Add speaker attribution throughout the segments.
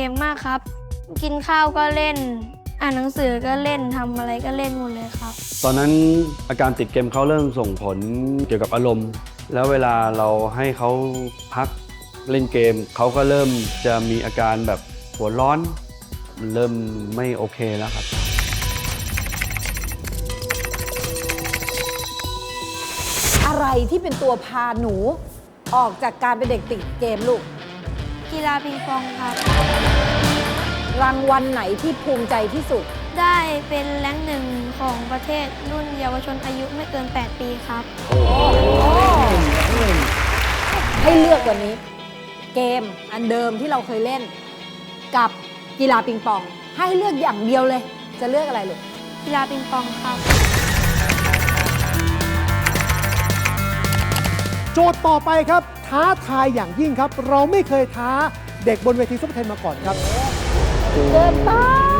Speaker 1: มมากครับ กินข้าวก็เล่น อ่านหนังสือก็เล่นทำอะไรก็เล่นหมดเลยครับ
Speaker 2: ตอนนั้นอาการติดเกมเขาเริ่มส่งผลเกี่ยวกับอารมณ์ แล้วเวลาเราให้เขาพักเล่นเกมเขาก็เริ่มจะมีอาการแบบหัวร้อนมันเริ่มไม่โอเคแล้วครับ
Speaker 3: อะไรที่เป็นตัวพาหนูออกจากการเป็นเด็กติดเกมลูก
Speaker 1: กีฬาปิงปองครับ
Speaker 3: รางวัลไหนที่ภูมิใจที่สุด
Speaker 1: ได้เป็นแรงค์หนึ่งของประเทศรุ่นเยาวชนอายุไม่เกิน 8 ปีครับ
Speaker 3: ให้เลือกวันนี้ เกมอันเดิมที่เราเคยเล่น กับกีฬาปิงปอง ให้เลือกอย่างเดียวเลย จะเลือกอะไรลูก
Speaker 1: กีฬาปิงปองครับ
Speaker 4: โจทย์ต่อไปครับ ท้าทายอย่างยิ่งครับ เราไม่เคยท้าเด็กบนเวทีซุปเปอร์เทนมาก่อนครับ
Speaker 3: เกินไป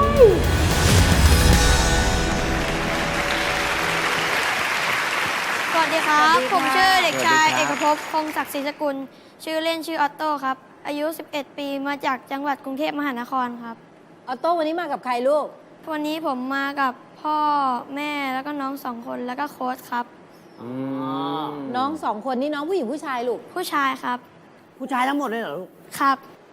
Speaker 1: สวัสดีครับ ผมชื่อเด็กชายเอกภพ คงศักดิ์ศรีสกุล ชื่อเล่นชื่อออตโต้ครับ อายุ 11 ปี มาจากจังหวัดกรุงเทพมหานครครับ
Speaker 3: ออโต้วันนี้มากับใครลูก
Speaker 1: วันนี้ผมมากับพ่อแม่แล้วก็น้อง2 คนแล้วก็โค้ชครับ
Speaker 3: น้องสองคนนี่น้องผู้หญิงผู้ชายลูก
Speaker 1: ผู้ชายครับ
Speaker 5: ผู้ชายทั้งหมดเลยเหรอลูก
Speaker 1: ครับ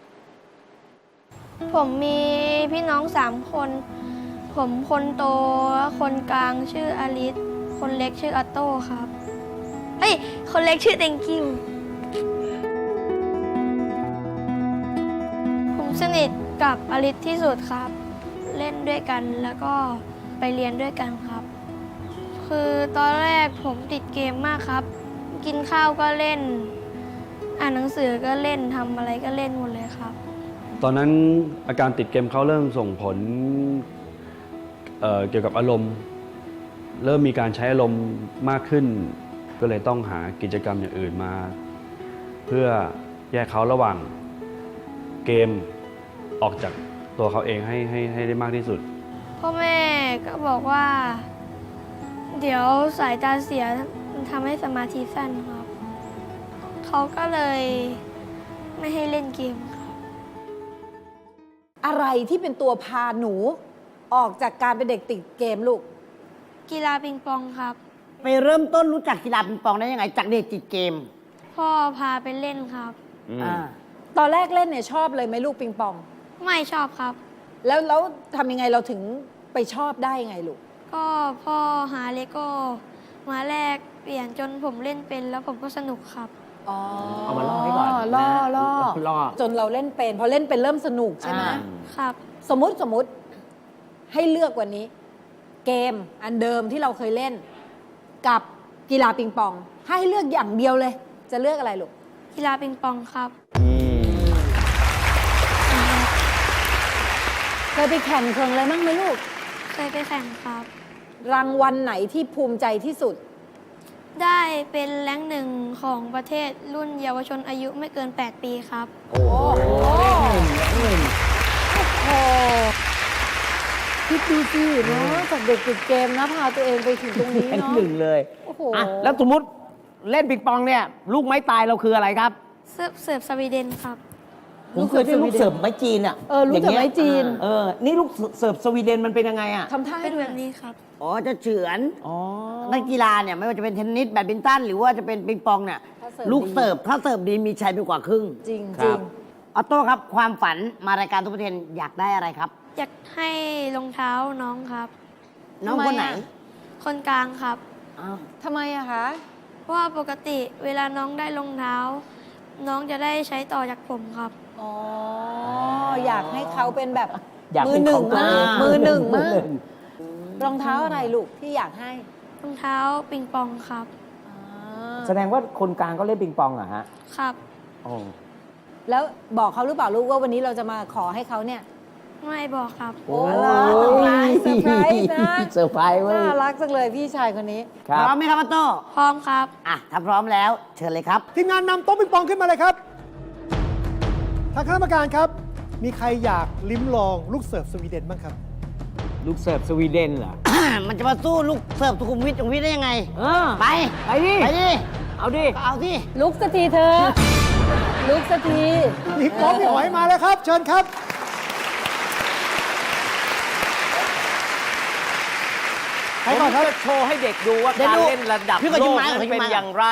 Speaker 1: ผมมีพี่น้อง3 คน ผมคนโตและคนกลางชื่ออลิส คนเล็กชื่อออตโต้ครับ เฮ้ย คนเล็กชื่อเต็งกิว ผมสนิทกับอลิสที่สุดครับ เล่นด้วยกันแล้วก็ไปเรียนด้วยกันครับ คือตอนแรกผมติดเกมมากครับ กินข้าวก็เล่น อ่านหนังสือก็เล่นทำอะไรก็เล่นหมดเลยครับ
Speaker 2: ตอนนั้นอาการติดเกมเขาเริ่มส่งผลเกี่ยวกับอารมณ์ เริ่มมีการใช้อารมณ์มากขึ้น ก็เลยต้องหากิจกรรมอย่างอื่นมา เพื่อแยกเขาระหว่างเกมออกจากตัวเขาเองให้ได้มากที่สุด
Speaker 1: พ่อแม่ก็บอกว่า เดี๋ยวสายตาเสียมันทำให้สมาธิสั้นครับ เขาก็เลยไม่ให้เล่นเกมครับ
Speaker 3: อะไรที่เป็นตัวพาหนูออกจากการเป็นเด็กติดเกมลูก
Speaker 1: กีฬาปิงปองครับ
Speaker 5: ไปเริ่มต้นรู้จักกีฬาปิงปองได้ยังไง จากเด็กติดเกม
Speaker 1: พ่อพาไปเล่นครับ
Speaker 3: ตอนแรกเล่นเนี่ยชอบเลยไหมลูกปิงปอง
Speaker 1: ไม่ชอบครับ
Speaker 3: แล้วทำยังไงเราถึงไปชอบได้ยังไงลูก
Speaker 1: ก็พ่อหาเลโก้มาแลกเปลี่ยนจนผมเล่นเป็นแล้วผมก็สนุกครับ
Speaker 3: อ๋อ
Speaker 5: เอามาล่อไว้ก่อน
Speaker 3: ล่อ
Speaker 5: นะ
Speaker 3: ล่อ
Speaker 5: ล่อ
Speaker 3: จนเราเล่นเป็น พอเล่นเป็นเริ่มสนุกใช่ไหม
Speaker 1: ครับ
Speaker 3: สมมติให้เลือกวันนี้ เกมอันเดิมที่เราเคยเล่น กับกีฬาปิงปอง ให้เลือกอย่างเดียวเลย จะเลือกอะไรลูก
Speaker 1: กีฬาปิงปองครับ
Speaker 3: เคยไปแข่งอะไรบ้างไหมลูก
Speaker 1: เคยไปแข่งครับ
Speaker 3: รางวัลไหนที่ภูมิใจที่สุด
Speaker 1: ได้เป็นแรงค์หนึ่งของประเทศรุ่นเยาวชนอายุไม่เกิน 8 ปีครับ
Speaker 3: โอ้คิดดูสิเนาะจากเด็กติดเกมนะพาตัวเองไปถึงตรงนี้
Speaker 5: เป็น
Speaker 3: เนาะ
Speaker 5: หนึ่งเลย
Speaker 3: โอ้โห
Speaker 5: อ่ะแล้วสมมติเล่นปิงปองเนี่ย ลูกไม้ตายเราคืออะไรครับ
Speaker 1: เสิร์ฟสวีเดนครับ
Speaker 5: ผมเคยได้ลูกเสิร์ฟไม้จีนอ่ะ
Speaker 3: ลูกเสิร์ฟไม้จีน
Speaker 5: นี่ลูกเสิร์ฟสวีเดนมันเป็นยังไงอ่ะ
Speaker 3: ทำท่าให้
Speaker 1: เป็น
Speaker 3: ดู
Speaker 1: แบบนี้ครับ
Speaker 5: อ๋อ จะเฉือน อ๋อ นักกีฬาเนี่ยไม่ว่าจะเป็นเทนนิสแบดมินตันหรือว่าจะเป็นปิงปองเนี่ย ลูกเสิร์ฟถ้าเสิร์ฟดีมีชัยไปกว่าครึ่ง
Speaker 3: จริง
Speaker 5: ค
Speaker 3: จริ
Speaker 5: รั
Speaker 3: ง
Speaker 5: บ ออโต้ครับ ความฝันมารายการทุกประเทนอยากได้อะไรครับ
Speaker 1: อยากให้รองเท้าน้องครับ
Speaker 5: น้องคนไหน
Speaker 1: คนกลางครับ
Speaker 5: อ้าว
Speaker 3: ทำไมอะคะ
Speaker 1: เพราะว่าปกติเวลาน้องได้รองเท้า น้องจะได้ใช้ต่อจากผมครับ
Speaker 3: อ๋อ อยากให้เขาเป็นแบบ
Speaker 5: อยาก
Speaker 3: มื
Speaker 5: เป็
Speaker 3: อน หนึ่
Speaker 5: ข
Speaker 3: ง
Speaker 5: องตัว
Speaker 3: มา
Speaker 5: เอก ง
Speaker 3: มือหนึ่ง
Speaker 5: มื
Speaker 3: มา
Speaker 5: อก หนึ่ง
Speaker 3: รองเท้าอะไรลูกที่อยากให้
Speaker 1: รองเท้าปิงปองครับ
Speaker 3: อ่า
Speaker 6: แสดงว่าคนกลางก็เล่นปิงปองเหรอฮะ
Speaker 1: ครับ
Speaker 6: โอ้
Speaker 3: แล้วบอกเขาหรือเปล่าลูกว่าวันนี้เราจะมาขอให้เขาเนี่ย
Speaker 1: ไม่บอกครับ
Speaker 3: โอ้ยเซอร์ไพรส์นะ
Speaker 5: เซอร์ไพรส์เว้ย
Speaker 3: น่ารักจังเลยพี่ชายคนนี้
Speaker 6: ครั
Speaker 5: พร้อม
Speaker 6: บ
Speaker 5: ไหมครับออโต้
Speaker 1: พร้อมครับ
Speaker 5: อ่ะ ถ้าพร้อมแล้ว เชิญเลยครับ
Speaker 4: ทีมงานนำโต๊ะปิงปองขึ้นมาเลยครับ ทางคณะกรรมการครับ มีใครอยากลิ้มลองลูกเสิร์ฟสวีเดนบ้างครับ
Speaker 6: ลูกเสิร์ฟสวีเดนเหรอ
Speaker 5: มันจะมาสู้ลูกเสิร์ฟสุขุมวิทสุขุมวิทได้ยังไง
Speaker 6: เออ
Speaker 5: ไป
Speaker 6: ไปดิ
Speaker 5: ไปดิ
Speaker 6: เอาดิ
Speaker 5: ก็เอาที่
Speaker 3: ลุกสักทีเธอ ลุกสักที
Speaker 4: พี่ป๊อปพี่หอยมาแล้วครับ เชิญครับใครก่อนครับ
Speaker 6: ผมจะโชว์ให้เด็กดูว่า
Speaker 5: เดี๋ยว
Speaker 6: การ
Speaker 5: ดู
Speaker 6: เล่นระดับ
Speaker 5: พี่ก่อน
Speaker 6: โล
Speaker 5: ยิง
Speaker 6: ก
Speaker 5: ไม้
Speaker 6: นั้น
Speaker 5: ก่อนยิง
Speaker 6: เป็น
Speaker 5: ไม้
Speaker 6: อย่างไร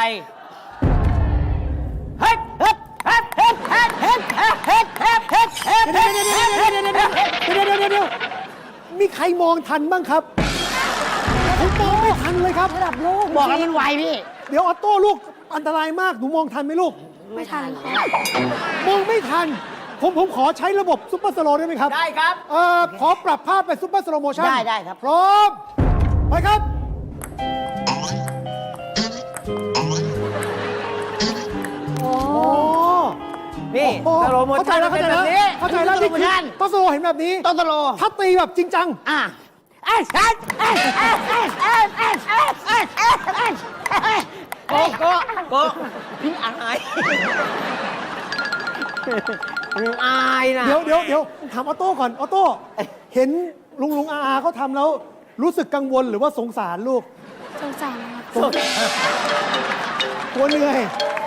Speaker 5: เฮ้ยเฮ้ยเฮ้ยเฮ้ยเฮ้ยเฮ้ยเฮ้ยเฮ้ยเฮ้ยเฮ้ยเฮ้ย
Speaker 4: เดี๋ยวมีใครมองทันบ้างครับผมมองไม่ทันเลยครับ
Speaker 3: ระดับโลก
Speaker 5: บอกแล้วมันไวพี่
Speaker 4: เดี๋ยวออโต้ลูกอันตรายมากหนูมองทันไหมลูก
Speaker 1: ไม่ทันครับ
Speaker 4: มองไม่ทัน ผมขอใช้ระบบซุปเปอร์สโลว์ได้ไหมครับ
Speaker 6: ได้ครับ
Speaker 4: ขอปรับภาพไปซุปเปอร์สโลว์โมชั่น
Speaker 5: ได้ครับ
Speaker 4: พร้อม ไปครับ
Speaker 3: โอ้
Speaker 4: โอ้
Speaker 6: นี่
Speaker 4: โอ้
Speaker 6: สโลโม
Speaker 4: เข้าใจ
Speaker 6: ชั่น
Speaker 4: แล้ว
Speaker 6: เป็
Speaker 4: เข้าน ใจ
Speaker 6: แบ
Speaker 4: แล้ว
Speaker 6: บนี้
Speaker 4: เข้าใจแล้ว
Speaker 5: สโลโมชั่น
Speaker 4: ต้องสโลว์เห็นแบบนี้
Speaker 5: ต้องสโลว์
Speaker 4: ถ้าตีแบบจริงจัง
Speaker 5: อ่ะเอ้ยเอ้ยเอ้ยเอ้ยเอ้ยเอ้ยเอ้ยเอ้ยเอ้ยเอ้ยเอ้ยเอ้ย
Speaker 6: โกพี่อายพี่อายนะ
Speaker 4: เดี๋ยวถามออโต้ก่อนออโต้เห็นลุงอาเขาทำแล้ว รู้สึกกังวลหรือว่าสงสารลูก
Speaker 1: สงสารครับ
Speaker 4: กลัวเหนื่อย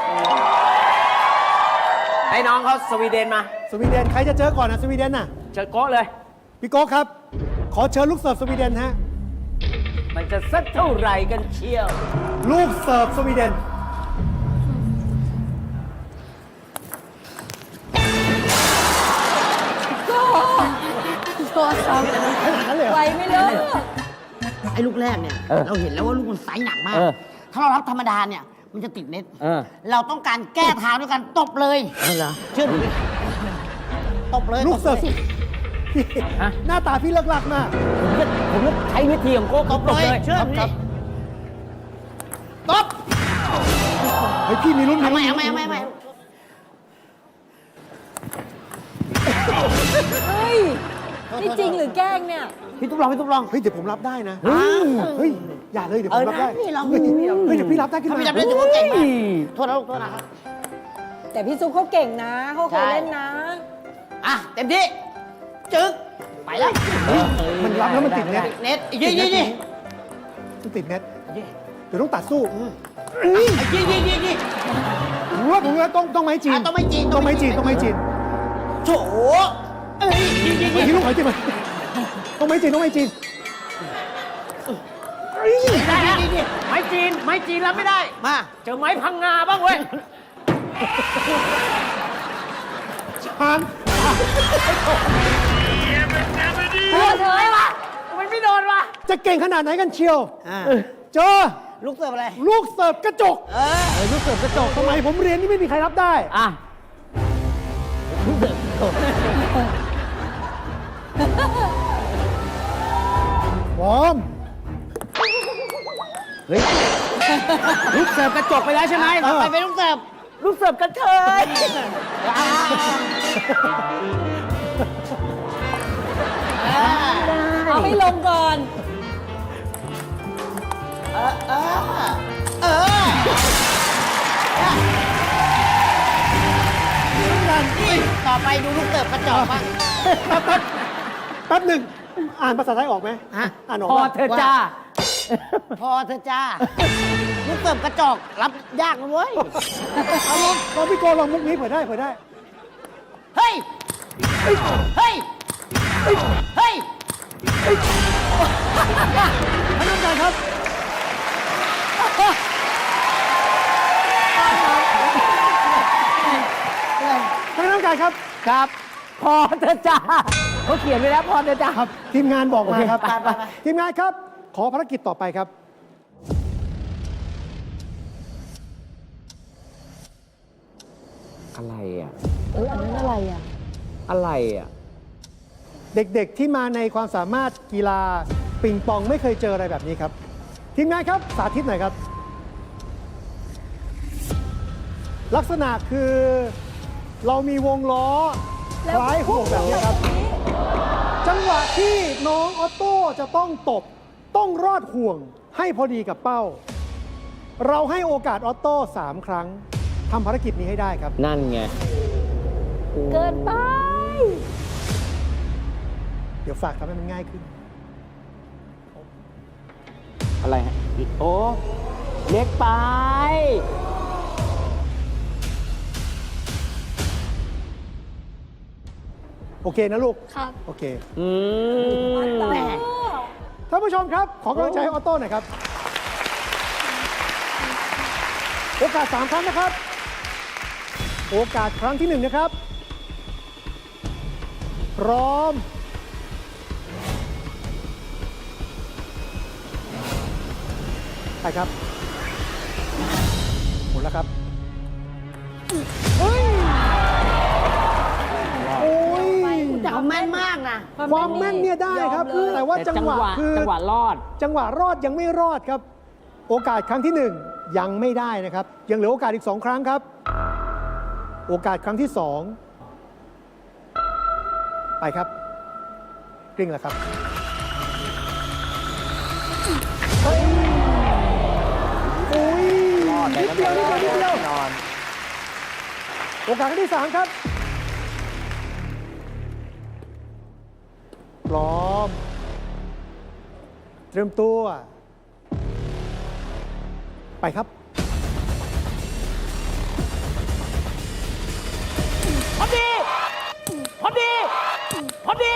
Speaker 6: ให้น้องเขาสวีเดนมา
Speaker 4: สวีเดนใครจะเจอก่อนนะสวีเดนน่ะ
Speaker 6: เจอโก้เลย
Speaker 4: พี่โก้ครับ ขอเชิญลูกเสิร์ฟสวีเดนฮะ
Speaker 6: มันจะสักเท่าไหร่กันเชียว
Speaker 4: ลูกเสิร์ฟสวีเดน
Speaker 1: โทษครับ
Speaker 4: ขนาดนั้นเลยเหรอ
Speaker 3: ไวไม่เลิก
Speaker 5: ไอ้ลูกแรกเนี่ย เราเห็นแล้วว่าลูกมันไซส์หนักมาก
Speaker 6: เออ
Speaker 5: ถ้าเรารับธรรมดาเนี่ย มันจะติดเน็ต
Speaker 6: เออ
Speaker 5: เราต้องการแก้ทางด้วยการตบเลย
Speaker 6: เหรอ
Speaker 5: เชื่อดูดิตบเลย
Speaker 4: ลูกเสิร์ฟ
Speaker 5: ตบลย
Speaker 4: พี่
Speaker 6: ฮะ
Speaker 4: หน้าตาพี่เลิกลักมาก
Speaker 6: ผมจะใช้วิธีของโก้
Speaker 5: ตบเลยเชื่อ
Speaker 6: ครับ
Speaker 5: ดู
Speaker 6: ค
Speaker 5: ดิ
Speaker 6: รับ
Speaker 5: ตบ
Speaker 4: เฮ้ยพี่มีรุ่น
Speaker 5: เอาไหม
Speaker 4: รุ่น
Speaker 5: เอาไหมเอาไหมเอาไหม
Speaker 3: เฮ้ย นี่จริงหรือแกล้งเนี่ย
Speaker 5: พี่ตุ๊บลองพี่ตุ๊บลอง
Speaker 4: เฮ้ยเดี๋ยวผมรับได้นะ
Speaker 5: อ้าว
Speaker 4: เฮ้ยอย่าเลยเดี๋ยวผมรับได้
Speaker 5: พี่ลอง
Speaker 4: เฮ้ยเดี๋ยวพี่รับได้ขึ้น
Speaker 5: ถ้า
Speaker 4: มา
Speaker 5: พี่จำได้ถือว่าเก่งมากโทษนะลูกโทษนะครับ
Speaker 3: แต่พี่ซุปเขาเก่งนะ เขาเคยเล่นนะ
Speaker 5: อ่ะเต็มที่จึ๊กไปแล้ว
Speaker 4: มันรับแล้วมันติดเน็ต
Speaker 5: เน็ตยี่ยี่ยี่
Speaker 4: มันติดเน็ตเดี๋ยวต้องตัดสู้
Speaker 5: ยี่ยี่ยี่ยี่
Speaker 4: ผมว่าต้องไม้จีน
Speaker 5: ต้องไม่จีน
Speaker 4: ต้องไม้จีนต้องไม้จีน
Speaker 5: โถเอ้ยยี่ยี่
Speaker 4: ไม้
Speaker 5: ยี่
Speaker 4: จีนลูกไม้จีนมาต้องไม้จีนต้องไม้จีน
Speaker 5: ได้แล้วยี่ยี่
Speaker 6: ไม้จีนรับไม่ได้
Speaker 5: มา
Speaker 6: เจอไม้พังงาบ้างเว้ย
Speaker 4: ชาน
Speaker 3: เฮ้ยเธอวะ
Speaker 6: มันไม่โดนวะ
Speaker 4: จะเก่งขนาดไหนกันเชียว เจอ
Speaker 5: ลูกเสิร์ฟอะไร
Speaker 4: ลูกเสิร์ฟกระจก
Speaker 6: ลูกเสิร์ฟกระจก
Speaker 4: สมัยผมเรียนนี่ไม่มีใครรับได้
Speaker 6: อ่ะ
Speaker 4: พร้อม
Speaker 6: ลูกเสิร์ฟกระจกไปแล้วใช่ไหม
Speaker 5: ต่อไปเป็นลูกเสิร์ฟ
Speaker 6: ลูกเสิร์ฟกระเทย
Speaker 3: เอาให้ลงก่อน
Speaker 5: ต่อไปดูลูกเสิร์ฟกระจอกบ้าง
Speaker 4: แป๊บหนึ่งอ่านภาษาไทยออกไหม
Speaker 5: ฮะ
Speaker 4: อ่านออก
Speaker 6: พอ
Speaker 4: ปะ
Speaker 6: เธอจ้า
Speaker 5: พอเธอะจ้า ลูกเสิร์ฟกระจอกรับยากนะเว้ย
Speaker 4: เอาลองพี่โกลองมุกนี้เผื่อได้
Speaker 5: เฮ้ย เฮ้ย เฮ้ย เฮ้ย
Speaker 4: ท่านผู้การครับ ท่านผู้การครับ
Speaker 6: ครับ พอเธอจ้าเขาเขียนไว้แล้วพอเธอจ้า
Speaker 4: ครับ ทีมงานบอกมาครับ
Speaker 5: โอเคไป
Speaker 4: ทีมงานครับ ขอภารกิจต่อไปครับ
Speaker 6: อะไรอ่ะ
Speaker 3: อันนั้นอะไรอ่ะ
Speaker 6: อะไรอ่ะ
Speaker 4: เด็กๆที่มาในความสามารถกีฬาปิงปองไม่เคยเจออะไรแบบนี้ครับ ทีมงานครับสาธิตหน่อยครับ ลักษณะคือเรามีวงล้อคล้ายห่วงแบบนี้ครับ จังหวะที่น้องออโต้จะต้องตบต้องรอดห่วงให้พอดีกับเป้า เราให้โอกาสออโต้3 ครั้งทำภารกิจนี้ให้ได้ครับ
Speaker 6: นั่นไง
Speaker 3: เกินไป
Speaker 4: เดี๋ยวฝากทำให้มันง่ายขึ้น
Speaker 6: อะไรฮะ โอ้ เล็กไป
Speaker 4: โอเคนะลูก
Speaker 1: ครับ
Speaker 4: โอเค
Speaker 6: อืม
Speaker 5: แหม
Speaker 4: ท่านผู้ชมครับ ขอกำลังใจให้ออโต้หน่อยครับ โอกาส 3 ครั้งนะครับ โอกาสครั้งที่ 1 นะครับ พร้อม ไปครับ หมดแล้วครับเฮ้ยโอ้ย
Speaker 5: แต่เขาแม่นมากนะ
Speaker 4: ความแม่นเนี่ยได้ครับ
Speaker 3: ยอมเลย
Speaker 4: แต่ว่าจังหวะคือ
Speaker 6: จังหวะรอด
Speaker 4: จังหวะรอดยังไม่รอดครับ โอกาสครั้งที่ 1 ยังไม่ได้นะครับ ยังเหลือโอกาสอีก 2 ครั้งครับ โอกาสครั้งที่ 2 ไปครับกลิ้งแล้วครับโอ้ย
Speaker 6: รอด
Speaker 4: นิดเดียวนิดเดียวนิดเดียว
Speaker 6: นอน
Speaker 4: โอกาสครั้งที่ 3 ครับ พร้อม เตรียมตัว ไปครับ
Speaker 6: พอดี พอดี พอดี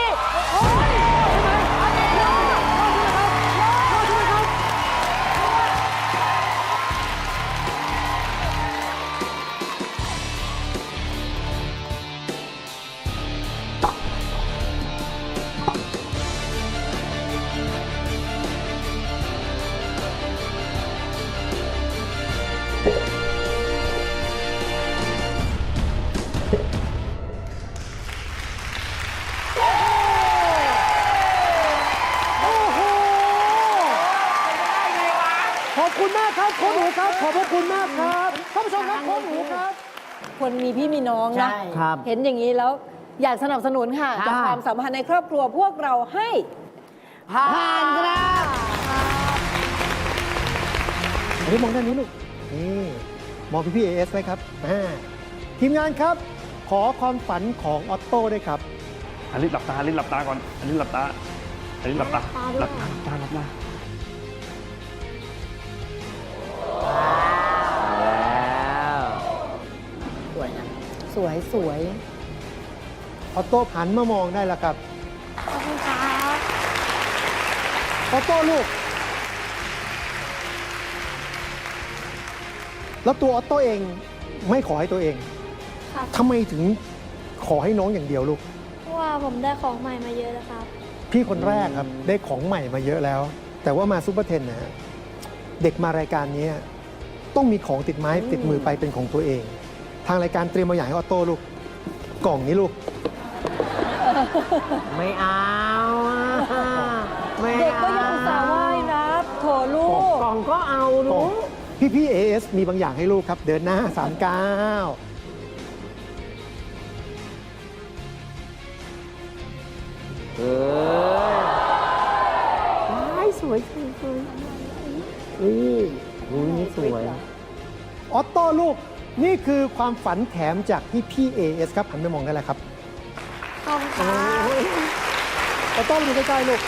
Speaker 4: โอ้โห ขอบคุณมากครับโค้ชหนูครับ ขอบพระคุณมากครับท่านผู้ชมครับโค้ชหนูครับ
Speaker 3: คนมีพี่มีน้องนะ
Speaker 5: ใช่
Speaker 6: ครับ
Speaker 3: เห็นอย่างนี้แล้วอยากสนับสนุนค่ะ
Speaker 6: ครับ
Speaker 3: จากความสัมพันธ์ในครอบครัวพวกเราให้
Speaker 5: ผ่านครับ
Speaker 4: อันนี้มองด้านนี้ลูก นี่มองพี่เอสไว้ครับทีมงานครับ ขอความฝันของออตโต้ด้วยครับ
Speaker 2: อลิสหลับตาอลิสหลับตาก่อนอลิสหลับตาอลิสหลับตาหลับตาหลับตาหลับตา
Speaker 6: แล้ว
Speaker 5: สวยนะ
Speaker 3: สวยสวย
Speaker 4: ออโต้หันมามองได้แล้วครับ
Speaker 1: ขอบคุณครับ
Speaker 4: ออโต้ลูก แล้วตัวออโต้เองไม่ขอให้ตัวเอง
Speaker 1: ครับ
Speaker 4: ทำไมถึงขอให้น้องอย่างเดียวลูก
Speaker 1: เพราะว่าผมได้ของใหม่มาเยอะแล้วครับ
Speaker 4: พี่คนแรกครับได้ของใหม่มาเยอะแล้ว แต่ว่ามาซูเปอร์เทนนะฮะเด็กมารายการนี้ต้องมีของติดไม้ติดมือไปเป็นของตัวเอง ทางรายการเตรียมมาอย่างให้ออโต้ลูก กล่องนี้ลูก
Speaker 6: ไม่เอาอะไม่
Speaker 3: เด็ก
Speaker 6: เอา
Speaker 3: ก็ยังอุตส่าห์ว่ายนะโถลูก
Speaker 6: กล่องก็เอา
Speaker 4: กล่
Speaker 6: ลู
Speaker 4: อง
Speaker 6: ก
Speaker 4: พี่เอสมีบางอย่างให้ลูกครับ เดินหน้า39
Speaker 6: เออว้ายสวยสวยสวยอุ้ยนี่สวย
Speaker 4: ออโต้ลูก นี่คือความฝันแถมจากพี่เอสครับหันไปมองได้แล้วครับ
Speaker 1: ขอบคุณครับ
Speaker 4: ออโต้ดูใกล้ๆลูก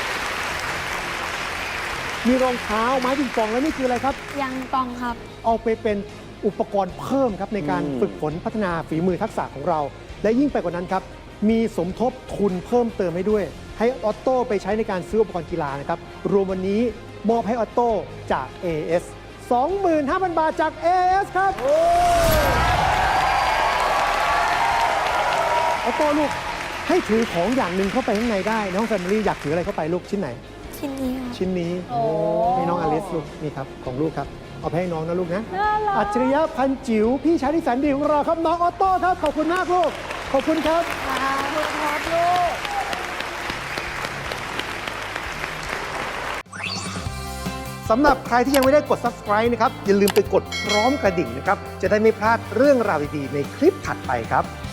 Speaker 4: มีรองเท้าไม้ปิงปองแล้วนี่คืออะไรครับ
Speaker 1: ยังปองครับ
Speaker 4: เอาไปเป็นอุปกรณ์เพิ่มครับในการฝึกฝนพัฒนาฝีมือทักษะของเรา และยิ่งไปกว่านั้นครับ มีสมทบทุนเพิ่มเติมให้ด้วย ให้ออโต้ไปใช้ในการซื้ออุปกรณ์กีฬานะครับ รวมวันนี้มอบให้ออโต้จาก AS 25,000 บาทจาก AS ครับออโต้ลูกให้ถือของอย่างหนึ่งเข้าไปข้างในได้ในห้องแฟมิลี่อยากถืออะไรเข้าไปลูกชิ้นไหน
Speaker 1: ชิ้นนี้ครับ
Speaker 4: ชิ้นนี้
Speaker 3: โอ้
Speaker 4: ให้น้องอลิสลูกนี่ครับของลูกครับเอาไปให้น้องนะลูกนะ
Speaker 3: น่ารัก
Speaker 4: อัจฉริยะพันจิ๋วพี่ชายที่แสนดีของเราครับน้องออโต้ครับขอบคุณมากลูกขอบคุณครับ
Speaker 3: ครับลูก
Speaker 4: สำหรับใครที่ยังไม่ได้กด subscribe นะครับอย่าลืมไปกดพร้อมกระดิ่งนะครับจะได้ไม่พลาดเรื่องราวดีๆในคลิปถัดไปครับ